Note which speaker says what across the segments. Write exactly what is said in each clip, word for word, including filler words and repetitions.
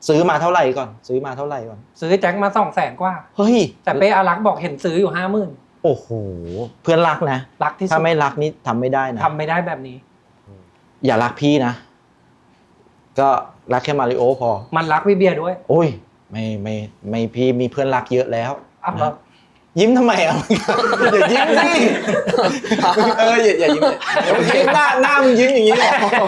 Speaker 1: ซื้อมาเท่าไหร่ก่อนซื้อมาเท่าไหร่ก่อน
Speaker 2: ซื้อแจ็คมาสองแสนกว่า
Speaker 1: เฮ้ย
Speaker 2: แต่เป้อารักบอกเห็นซื้ออยู่ห้าหมื่น
Speaker 1: โอ้โหเพื่อนรักนะ
Speaker 2: รักที่สุด
Speaker 1: ถ้าไม่รักนี่ทำไม่ได้นะ
Speaker 2: ทำไม่ได้แบบนี้
Speaker 1: อย่ารักพี่นะก็รักแค่มาริโอพอ
Speaker 2: มันรักพี่เบียร์ด้วย
Speaker 1: โอ้ยไม่ไม่ไม่พี่มีเพื่อนรักเยอะแล้ว
Speaker 2: นะ
Speaker 1: ยิ้มทำไมอ่ะอย่ายิ้มสิเอออย่าอย่ายิ้มเลยหน้าหน้ามึงยิ้มอย่างนี้เลย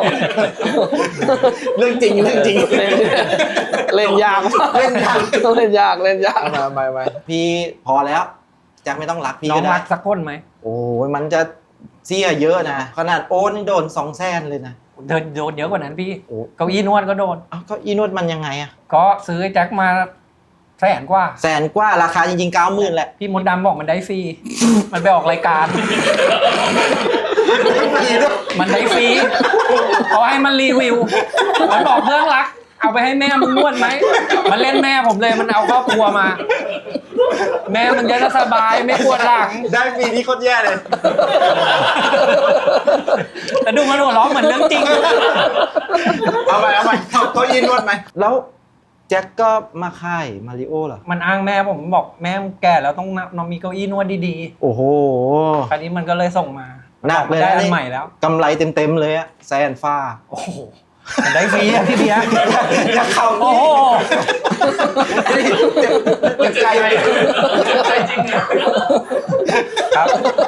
Speaker 1: เรื่องจริงเรื่องจริง
Speaker 3: เล่นยากเล่นยากเล่นยากเล่นยาก
Speaker 1: มาไปไปพี่พอแล้วแจ็คไม่ต้องรักพี่ก็ได้
Speaker 2: น้องรักสักคนไหม
Speaker 1: โอ้ยมันจะเสียเยอะนะขนาดโอนโดนสองแสนเลยนะ
Speaker 2: เดินโดนเยอะกว่านั้นพี่เก้าอี้นวดก็โดน
Speaker 1: อ้าวเก้าอี้นวดมันยังไงอ่ะ
Speaker 2: ก็ซื้อแจ็คมาแสนกว่า
Speaker 1: แสนกว่าราคาจริงๆเก้าหมื่นแหละ
Speaker 2: พี่มดดำบอกมันได้ฟรีมันไปออกรายการมันได้ฟรีเขาให้มันรีวิวมันบอกเพื่อนรักเอาไปให้แม่มึงนวดไหมมันเล่นแม่ผมเลยมันเอาครอบครัวมาแม่มึงจะสบายไม่ปวดหลัง
Speaker 1: ได้ฟรีนี่โคตรแย่เลย
Speaker 2: แต่ดูมันหัวเราะเหมือนเรื่องจริง
Speaker 1: เอาไปเอาไปเขายินนวดไหมแล้วแจ็คก็มาค่ายมาริโอเหรอ
Speaker 2: มันอ้างแม่ผมบอกแม่แก่แล้วต้องนอนมีเก้าอี้นวดดี
Speaker 1: ๆโอ้โห
Speaker 2: คราวนี้มันก็เลยส่งมา
Speaker 1: หนักเลย
Speaker 2: ได้อันใหม่แล้ว
Speaker 1: กำไรเต็มๆเลยอะแซนฟ้า
Speaker 2: โอ้โหมันได้ฟรีอะพี่เบียร์
Speaker 1: อยากเข้า
Speaker 2: โอ้โห
Speaker 1: เจ็บใจใจจริงครับ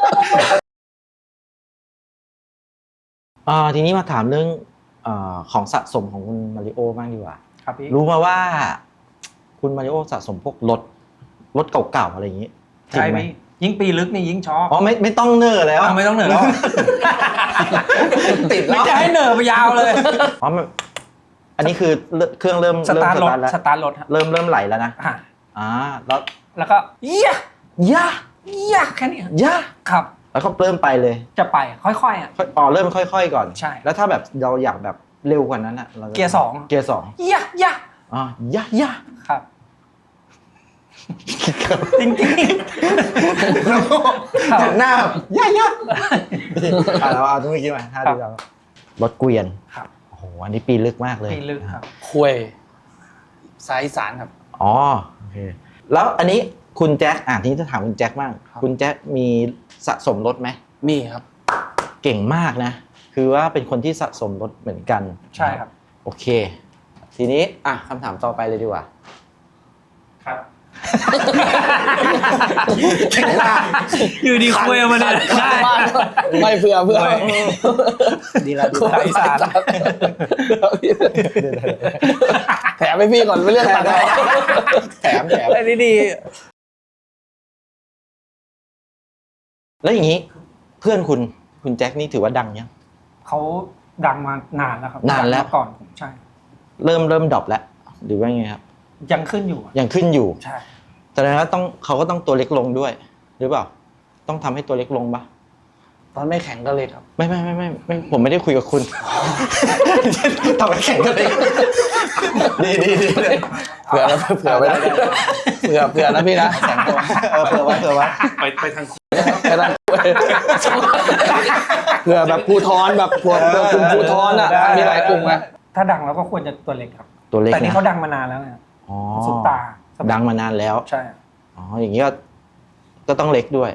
Speaker 1: อ่าทีนี้มาถามเรื่องอ่าของสะสมของคุณมาริโอบ้างดีกว่ารู้มาว่าคุณมาริโอสะสมพวกรถรถเก่าๆอะไรอย่างนี้
Speaker 2: ใช่ไหมยิ่งปีลึกนี่ยิ่งชอบ
Speaker 1: อ๋อไม่ไม่ต้องเนอแล้ว
Speaker 2: ไม่ต้องเนอแล้ว
Speaker 1: ติด
Speaker 2: ไม่จะให้เนอไปยาวเลย
Speaker 1: อ๋ออันนี้คือเครื่องเริ่ม
Speaker 2: สตาร์ทรถสตาร์ทรถ
Speaker 1: เริ่มเริ่มไหลแล้วนะอ่าแล้ว
Speaker 2: แล้วก็เยี่ย
Speaker 1: ย่า
Speaker 2: ย่าแค่นี้
Speaker 1: ย่า
Speaker 2: ครับ
Speaker 1: แล้วก็เริ่มไปเลย
Speaker 2: จะไปค่อยๆอ่ะ
Speaker 1: อ๋อเริ่มค่อยๆก่อน
Speaker 2: ใช่
Speaker 1: แล้วถ้าแบบเราอยากแบบเร็วกว่านั้นอ่ะ
Speaker 2: เกียร์สอง
Speaker 1: เกียร์สอง
Speaker 2: ย่าย่า
Speaker 1: อ๋อย่าย่า
Speaker 2: ครับจริงจริง
Speaker 1: หน้าย่าย่าเราเอาตรงนี้คิดมาท่าดีเรารถเกวียน
Speaker 2: ครับ
Speaker 1: โอ้โหอันนี้ปีลึกมากเลย
Speaker 2: ปีลึกครับ
Speaker 3: คุยสายสารครับ
Speaker 1: อ๋อโอเคแล้วอันนี้คุณแจ็คอ่ะทีนี้จะถามคุณแจ็คบ้างคุณแจ็คมีสะสมรถไหม
Speaker 3: มีครับ
Speaker 1: เก่งมากนะคือว่าเป็นคนที่สะสมรถเหมือนกัน
Speaker 2: ใช่ครับ
Speaker 1: โอเคทีนี้อ่ะคำถามต่อไปเลยดีกว่า
Speaker 2: ครับอยู่ดีคุยมาเนี่ยได้
Speaker 3: ไม่เผื่อเผื่อ
Speaker 1: ดีละดีละ
Speaker 2: อีสาน
Speaker 3: แถมให้พี่ก่อนไม่เรื่องตัด
Speaker 1: แถมแถม
Speaker 2: ได้ดี
Speaker 1: แล้วอย่างนี้เพื่อนคุณคุณแจ็คนี่ถือว่าดังยัง
Speaker 2: เขาดังมานานแล้วครับ
Speaker 1: นานแล้ว
Speaker 2: ก่อนใช่
Speaker 1: เริ่มเริ่มดรอปแล้วหรือว่าไงครับ
Speaker 2: ยังขึ้นอยู่
Speaker 1: ยังขึ้นอยู่
Speaker 2: ใช่
Speaker 1: แต่แล้วต้องเขาก็ต้องตัวเล็กลงด้วยหรือเปล่าต้องทำให้ตัวเล็กลงปะ
Speaker 3: ตอนไม่แข็งก็เล็กครับ
Speaker 1: ไม่ไม่ไม่ไม่ไม่ผมไม่ได้คุยกับคุณตอนไม่แข็งก็เล็กดีดีดี
Speaker 3: เผื่อแล้วเผื่อไว้เผื่อเผื่อนะพี่นะ
Speaker 1: แข็งตัวเออเผื่อไว้เผื่อไว้
Speaker 4: ไปไปทาง
Speaker 3: ไปทางเผื่อแบบภูทรแบบพวกกลุ่มภูทรอ่ะมีหลายกลุ่มไง
Speaker 2: ถ้าดังแล้วก็ควรจะตัวเล็กครับ
Speaker 1: ตัวเล็ก
Speaker 2: แต่นี่เขาดังมานานแล้วไง
Speaker 1: อ๋อ
Speaker 2: ซุปตา
Speaker 1: ดังมานานแล้ว
Speaker 2: ใช่
Speaker 1: อ๋ออย่างนี้ก็ก็ต้องเล็กด้วย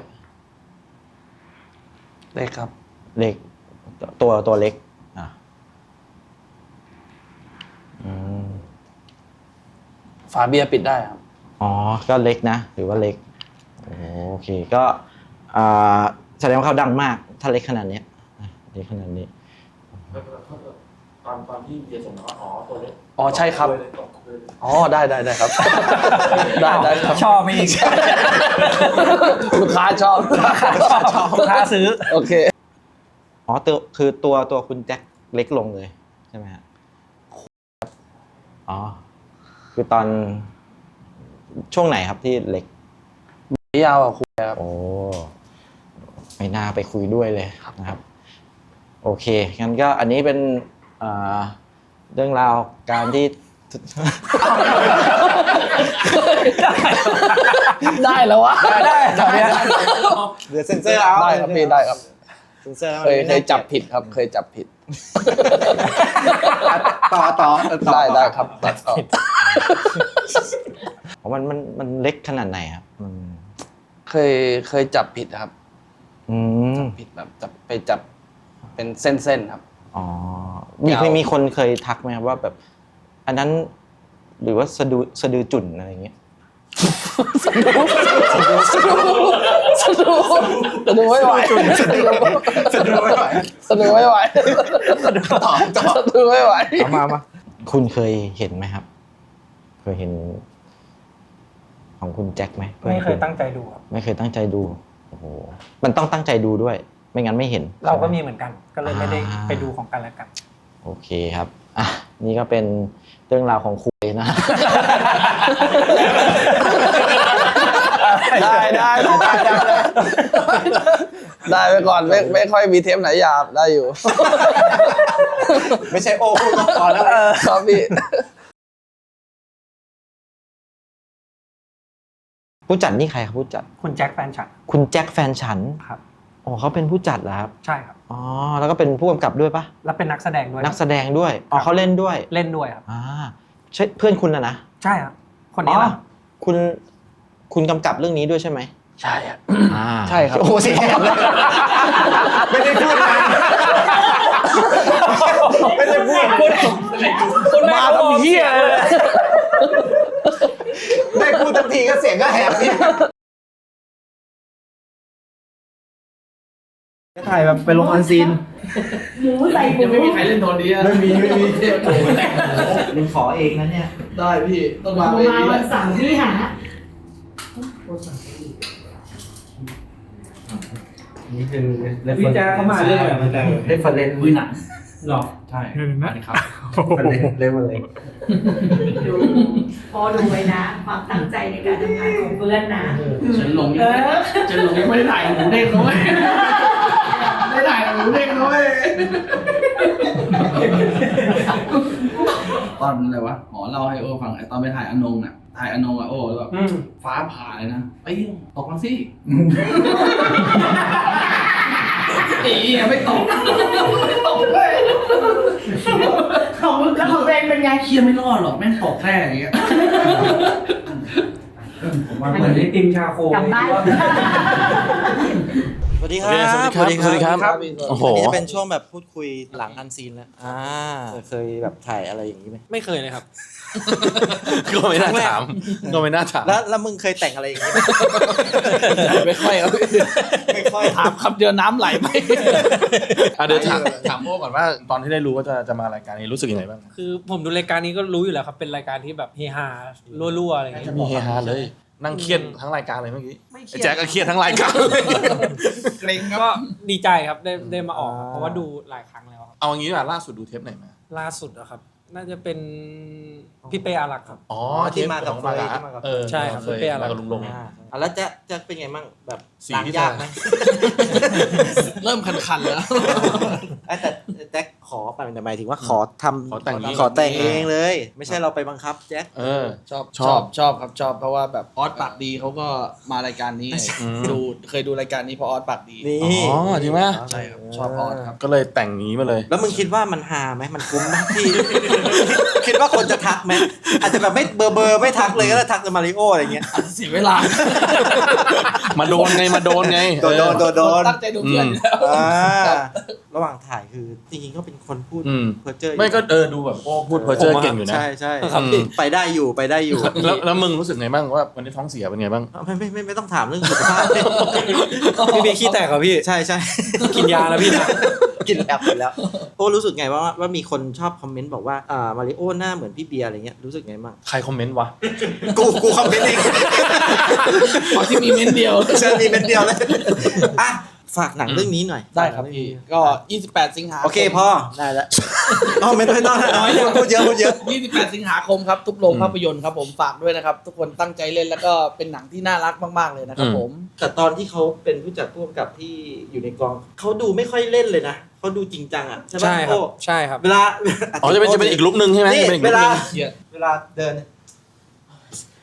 Speaker 3: เล็กครับ
Speaker 1: เล็กตัวตัวเล็กอ่ะอืม
Speaker 3: ฝาเบียร์ปิดได้ครับ
Speaker 1: อ๋อก็เล็กนะหรือว่าเล็กโอเคก็อ่าแสดงว่าเขาดังมากถ้าเล็กขนาดนี้เล็กขนาดนี้
Speaker 4: ตอนตอนที่เบียร์ส่งมาอ๋อตัวเล็ก
Speaker 3: อ๋อใช่ครับอ๋อได้ได้ได้ครับได้ได้ครับ
Speaker 2: ชอบไปอีก
Speaker 3: ลูกค้าชอบ
Speaker 2: ชอบลูกค้าซื้อ
Speaker 3: โอเค
Speaker 1: อ๋อตัวคือตัวตัวคุณแจ็คเล็กลงเลยใช่ไหมฮะอ๋อคือตอนช่วงไหนครับที่เล็ก
Speaker 3: ไม่ยาวอ่ะคุยครับ
Speaker 1: โอ้ไม่น่าไปคุยด้วยเลยนะครับโอเคงั้นก็อันนี้เป็นเรื่องราวการที่
Speaker 3: ได้แล้ววะ
Speaker 2: ได้ได้
Speaker 1: เดี๋ยวเซ็นเซอร์เอา
Speaker 3: ได้ครับพี่ได้ครับ
Speaker 1: เซ็นเซอร์
Speaker 3: เคยเคยจับผิดครับเคยจับผิด
Speaker 1: ต่อต่อต่อ
Speaker 3: ได้ได้ครับตัดต่อ
Speaker 1: มันมันมันเล็กขนาดไหนครับมัน
Speaker 3: เคยเคยจับผิดครับ
Speaker 1: อืม
Speaker 3: ผิดแบบจับไปจับเป็นเส้นๆครับ
Speaker 1: อ๋อมีเคยมีคนเคยทักไหมครับว่าแบบ อันนั้นหรือว่าสะดือสะดือจุ่นอะไรอย่างเงี้ย
Speaker 3: สะดุ้งสะดุ้งสะดุ้งสะดุ้งสะดุ้งไม่ไหวสะดุ้ง
Speaker 1: สะดือไม่ไหว
Speaker 3: สะดุ้งไม่ไหว
Speaker 1: ต่อต่อ
Speaker 3: สะดุ้งไม่ไหว
Speaker 1: เอามามาคุณเคยเห็นไหมครับ เคยเห็น ของคุณแจ็คไหม
Speaker 2: ไม่เคยตั้งใจดูครับ
Speaker 1: ไม่เคยตั้งใจดูโอ้โหมันต้องตั้งใจดูด้วย ไม่งั้นไม่เห็น
Speaker 2: เราก็
Speaker 1: ใช่ไห
Speaker 2: มีเหมือนกัน ก็เลยไม่ได้
Speaker 1: อ่า
Speaker 2: ไปดูของกันและกัน
Speaker 1: โอเคครับอ่ะนี่ก็เป็นเรื่องราวของคุยนะ
Speaker 3: ได้ได้ได้ได้ได้ไปก่อนไม่ไม่ค่อยมีเทปไหนหยาบได้อยู่
Speaker 1: ไม่ใช่โอ้พูดก็พอแล้ว
Speaker 3: ครับพี่
Speaker 1: ผู้จัดนี่ใครครับผู้จัด
Speaker 2: คุณแจ็คแฟนฉัน
Speaker 1: คุณแจ็คแฟนฉัน
Speaker 2: ครับ
Speaker 1: อ๋อเขาเป็นผู้จัดเหรอครับ
Speaker 2: ใช่ครับ
Speaker 1: อ๋อแล้วก็เป็นผู้กำกับด้วยปะ
Speaker 2: แล้วเป็นนักแสดงด้วย
Speaker 1: นักแสดงด้วยอ๋อเขาเล่นด้วย
Speaker 2: เล่นด้วยครับ
Speaker 1: อ่าใช่เพื่อนคุณนะนะ
Speaker 2: ใช่ครับ คนนี้
Speaker 1: อ๋อ
Speaker 2: ล่ะ
Speaker 1: คุณคุณกำกับเรื่องนี้ด้วยใช่ไหม
Speaker 3: ใช่ครับ
Speaker 1: อ่า
Speaker 3: ใช่ครับ
Speaker 1: โอ้โหเสียงเลยไม่ได้พูดนานไม่ได้พูด
Speaker 2: คุณมาทำเหี้ยเลย
Speaker 1: ได้พูดทันทีก็เสียงก็แหบนี่
Speaker 5: ถ่ายแบบไปลงออนซีน
Speaker 6: หมูใส่หมู
Speaker 5: ยังไม่มีใครเล่นโทนนี้อะไม่มีไม่มีโอ้โหแต่งมึงขอเองนะเนี่ย ได้พี่ต้อง
Speaker 6: ห
Speaker 5: มา
Speaker 6: มู
Speaker 5: เอง
Speaker 6: มาวันเสาร์พี่หา
Speaker 5: นี่คือพี่แจ๊คเข้ามาเรื่องอะไรมันจะเรฟเฟอเรนซ์มือหนังหรอใช่ครับเรฟเฟอเรนซ์
Speaker 6: ดูพอดูไว้นะ ความตั้งใจในการทำงานของเพื่อนนะ
Speaker 5: ฉันลง
Speaker 6: เออ
Speaker 5: ฉันลงยังไม่ได้ถ่ายหมูเด้งด้วยไม่ได้ถ่ายหมูเด้งด้วยตอนอะไรวะหมอเล่าให้โอ้ฟังไอ้ตอนไปถ่ายอนงน่ะถ่ายอนงอ่ะโอ้แล้วแบบฟ้าผ่าเลยนะเอ้ยตกมาสิอียังไม่ตกไม่ตกเลย
Speaker 6: ของแล้วของตัวเองเป็นไง
Speaker 5: เคียไม่รอดหรอกแม่งตกแค่อย่างเงี้ยผมว่าเหมือนไอติมชาโค
Speaker 6: กลับบ้าน
Speaker 1: สวัสดีครับ
Speaker 3: สวัสดีครับสวัสดีครับโอ้โห
Speaker 1: อันนี้จะเป็นช่วงแบบพูดคุยหลังอันซีนแล้วอ่าเคยแบบถ่ายอะไรอย่างนี้ไหม
Speaker 2: ไม่เคยเลยครับ
Speaker 3: ก็ไม่น่าถามก็ไม่น่าถาม
Speaker 1: แล้วแล้วมึงเคยแต่งอะไรอย่างนี้ไหม
Speaker 3: ไม่ค่อยครับ
Speaker 1: ไม่ค่อย
Speaker 5: ถามคำเดียวน้ำไหลไหม
Speaker 3: อ่ะเดี๋ยวถามถามโอ้ก่อนว่าตอนที่ได้รู้ว่าจะจะมารายการนี้รู้สึกยังไงบ้าง
Speaker 2: คือผมดูรายการนี้ก็รู้อยู่แล้วครับ เป็นรายการที่แบบเฮฮารั่วๆอะไรอย่างเงี้ย
Speaker 3: มีเฮฮาเลย นั่งเครียดทั้งรายการเลยเมื่อกี้
Speaker 2: ไม่เครี
Speaker 3: ไอ้
Speaker 2: ยด
Speaker 3: แจ็คก็เครียดทั้งรายการ
Speaker 5: เกรงครับ
Speaker 2: ก็ดีใจครับได้ได้มาออกครับเพราะว่าดูหลายครั้งแล้วครับ
Speaker 3: เอางี้ดีกว่าล่าสุดดูเทปไหนมา
Speaker 2: ล่าสุดอะครับ น่าจะเป็นพี่เป้อารักษ์ครับ
Speaker 3: อ๋อ
Speaker 1: ที่มากับ
Speaker 3: เทป
Speaker 1: เฟย
Speaker 3: ของ
Speaker 1: ที่มากับ
Speaker 3: เออ
Speaker 2: ใช่ครับ
Speaker 3: เคย
Speaker 2: เป้อารั
Speaker 3: มาก
Speaker 2: ษ์
Speaker 3: กับลุงลง
Speaker 1: อ่าอ่ะแล้วจะจะเป็นไงบ้างแบบ
Speaker 3: สี
Speaker 1: ล้าง
Speaker 3: ที่
Speaker 1: ยากไหม
Speaker 5: เริ่มคันๆแล้ว
Speaker 1: เอ้ยแต่แจ็คขอไปแต่หมายถึงว่าขอทำ
Speaker 3: ขอแต่งเอง
Speaker 1: ขอแต่งเองเลย ไม่ใช่เราไปบังคับแจ็ค
Speaker 3: เออ
Speaker 5: ชอบ
Speaker 3: ช
Speaker 5: ช
Speaker 3: อ
Speaker 5: อบ บชอบครับชอบเพราะว่าแบบออสปากดีเขาก็มารายการนี้ไง
Speaker 3: อืม
Speaker 5: ดูเคยดูรายการนี้เพราะออสปากดี
Speaker 1: นี่
Speaker 3: อ๋อจริงไหม
Speaker 5: ใช่ครับชอบออสครับ
Speaker 3: ก็เลยแต่งนี้มาเลย
Speaker 1: แล้วมึงคิดว่ามันฮาไหมมันคุ้มไหมที่ คิดว่าคนจะทักไหมอาจจะแบบไม่เบอร์เบอร์ไม่ทักเลยก็ได้ทักแต่มาริโออะไรเงี้ย
Speaker 5: เสียเวลา
Speaker 3: มาโดนไงมาโดนไง
Speaker 1: โดนโดนโดนโดน
Speaker 5: ตั้งใจดูเพื่อนอยู่แล้ว
Speaker 1: อ่าระหว่างถ่ายคือจริงๆก็เป็นคนพูด
Speaker 3: อืม
Speaker 1: เพอร์เจอร์
Speaker 3: ไม่ก็เออดูแบบโอ้พูดเพอร์เจอร์เก่งอยู่นะ
Speaker 1: ใช่ใช่
Speaker 3: ครับ
Speaker 1: ไปได้อยู่ไปได้อยู่
Speaker 3: แล้วแล้วมึงรู้สึกไงบ้างว่าวันนี้ท้องเสียเป็นไงบ้าง
Speaker 1: ไม่ไม่ไม่ไม่ต้องถามเรื่องสุขภาพ
Speaker 2: พี่เบียร์ขี้แตกเหรอพี่
Speaker 1: ใช่ใช่
Speaker 2: กินยาแล้วพี่นะ
Speaker 1: กินแอบไปแล้วโอ้รู้สึกไงว่าว่ามีคนชอบคอมเมนต์บอกว่าอ่ามาริโอหน้าเหมือนพี่เบียร์อะไรเงี้ยรู้สึกไงบ้าง
Speaker 3: ใครคอมเมนต์วะ
Speaker 1: กูกูคอมเมนต์เอง
Speaker 5: ขอที่มีเม้นเดียว
Speaker 1: เชิญมีเป็นเดียวเลยอ่ะฝากหนังเรื่องนี้หน่อย
Speaker 5: ได้ครับพี่ก็ยี่สิบแปดสิงหาคม
Speaker 1: โอเคพอได้แล้วอ๋อไม่ต้องไม่ต้องน้อยเยอะพูดเยอะพูดเยอะ
Speaker 5: ยี่สิบแปดสิงหาคมครับทุกโรงภาพยนตร์ครับผมฝากด้วยนะครับ ทุกคนตั้งใจเล่นแล้วก็เป็นหนังที่น่ารักมากๆเลยนะครับผม
Speaker 1: แต่ตอนที่เขาเป็นผู้จัดผู้กำกับที่อยู่ในกองเขาดูไม่ค่อยเล่นเลยนะเขาดูจริงจังอ่ะใช่ไหม
Speaker 2: ใช่ครับ
Speaker 1: โอ้
Speaker 2: ใช่ครับ
Speaker 1: เวลา
Speaker 3: อ๋อจะเป็นจะเป็นอีกลุกนึงใช่ไหม
Speaker 1: นี่
Speaker 3: จะเป็นอีก
Speaker 1: เว
Speaker 3: ลุก
Speaker 1: ลา
Speaker 3: นึง
Speaker 1: เวลาเดิน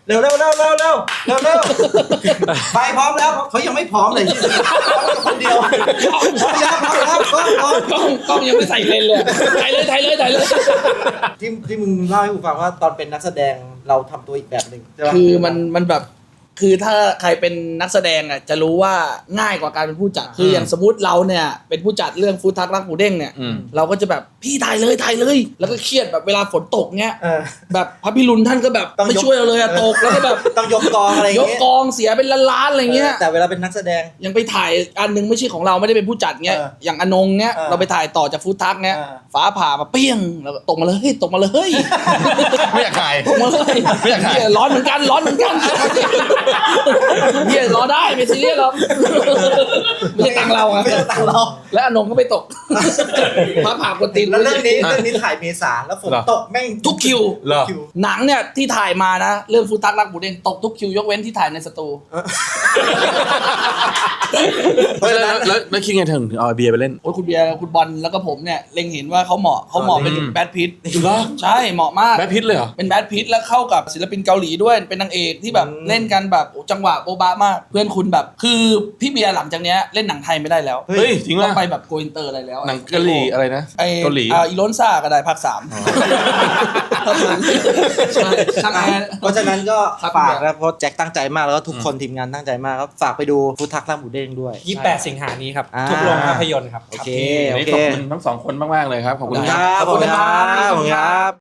Speaker 1: เร็วเร็วเร็วเร็วเร็วเร็วเร็วไปพร้อมแล้วเขายังไม่พร้อมเลยคนเดียวพร้อมแล้วพร้อมแล้วพร้อมพร้อม
Speaker 3: กล้องกล้องยังไม่ใส่เลนเลยถ่ายเลยถ่ายเลยถ่ายเลย
Speaker 1: ที่ที่มึงเล่าให้กูฟังว่าตอนเป็นนักแสดงเราทำตัวอีกแบบหนึ่งใช่ปะ
Speaker 3: คือมันมันแบบคือถ้าใครเป็นนักแสดงอ่ะจะรู้ว่าง่ายกว่าการเป็นผู้จัดคืออย่างสมมติเราเนี่ยเป็นผู้จัดเรื่องฟู้ดทักรักหมูเด้งเนี่ย
Speaker 2: อืม
Speaker 3: เราก็จะแบบพี่ถ่ายเลยถ่ายเลย แล้วก็เครียดแบบเวลาฝนตกเงี้ย
Speaker 1: เออ
Speaker 3: แบบพระพิรุณท่านก็แบบ
Speaker 1: ต้อง
Speaker 3: ไม่
Speaker 1: ยก
Speaker 3: ช่วยเราเลยอะตกแล้วก็แบบ
Speaker 1: ต้องยกกองอะไรอย่าง
Speaker 3: ยก
Speaker 1: เงี้ย
Speaker 3: กองเสียเป็นล้านๆอะไรเงี้ย
Speaker 1: แต่เวลาเป็นนักแสดง
Speaker 3: ยังไปถ่ายอันหนึงไม่ใช่ของเราไม่ได้เป็นผู้จัดเงี้ย
Speaker 1: เออ
Speaker 3: อย่างอนงเงี้ย
Speaker 1: เออ
Speaker 3: เราไปถ่ายต่อจากฟู้ดทักเงี้ย
Speaker 1: เออ
Speaker 3: ฟ้าผ่ามาเปี้ยงแล้วก็ตกมาเลยเฮ้ยตกมาเลยเฮ้ย
Speaker 2: ไม่อยากถ่าย
Speaker 3: ตกมาเลย
Speaker 2: ไม่อยากถ่าย
Speaker 3: เหี้ยร้อนเหมือนกันร้อนเหมือนกันเฮียรอได้ไม่ซีเรียสหรอกไม่ใช่ตังค์เราอะ
Speaker 1: ไม่ใช่ตังค์เรา
Speaker 3: และอนงก็ไม่ตกฟ้าผ่ากดตีน
Speaker 1: แล้วเรื่องนี้เรื่องนี้ถ่ายเมษาแล้วฝนตกแม่ง
Speaker 3: ทุกคิว
Speaker 2: เหรอ
Speaker 1: คิว
Speaker 3: หนังเนี่ยที่ถ่ายมานะเรื่องฟูตักรักหมูเด้งตกทุกคิวยกเว้นที่ถ่ายในสตู
Speaker 1: เพราะฉะนั้น
Speaker 2: แล้วแล้วคิดไงถึงเอาเบียร์ไปเล่น
Speaker 3: โอ้ยคุณเบียร์คุณบอลแล้วก็ผมเนี่ยเล็งเห็นว่าเขาเหมาะเขาเหมาะเป็น
Speaker 2: อืม
Speaker 3: แบทพิท
Speaker 2: เหรอ
Speaker 3: ใช่เหมาะมาก
Speaker 2: แบทพิทเลยเหรอ
Speaker 3: เป็นแบทพิทแล้วเข้ากับศิลปินเกาหลีด้วยเป็นนางเอกที่แบบ
Speaker 1: อืม
Speaker 3: เล่นกันแบบโอ้จังหวะโบ๊ะบะมาก เพื่อนคุณแบบคือพี่เบียร์หลังจากเนี้ยเล่นหนังไทยไม่ได้แล้ว
Speaker 2: เฮ้ยจริง
Speaker 3: ต้
Speaker 2: ป่ะ
Speaker 3: องไปแบบโกอินเตอร์อะไรแล้ว
Speaker 2: หนังเกาหลีอะไรนะ
Speaker 3: ไอ้
Speaker 2: เกาหลี
Speaker 3: อ่าอีโลนซ่าก็ได้ภาคสามเท่านั้นใช่ช่างแอร์
Speaker 1: เพราะฉะนั้นก็
Speaker 3: ครับ
Speaker 1: ฝากนะเพราะแจ็คตั้งใจมากแล้วก็ทุกคนทีมงานตั้งใจมากครับฝากไปดูฟุตทักล่าหมูเด้งด้วย
Speaker 7: ยี่สิบแปดสิงหานี้ครับ
Speaker 1: อ่า
Speaker 7: ทุกโรงภาพยนตร์ครับ
Speaker 1: โอเค
Speaker 2: วัน
Speaker 1: โอ
Speaker 2: นี้
Speaker 1: เค
Speaker 2: ขอบคุณทั้งสองคนมากๆเลยครับ ขอบคุณ
Speaker 1: ค
Speaker 2: ค
Speaker 1: รั
Speaker 2: รับ
Speaker 1: บขอบคุณครับขอบคุณครับ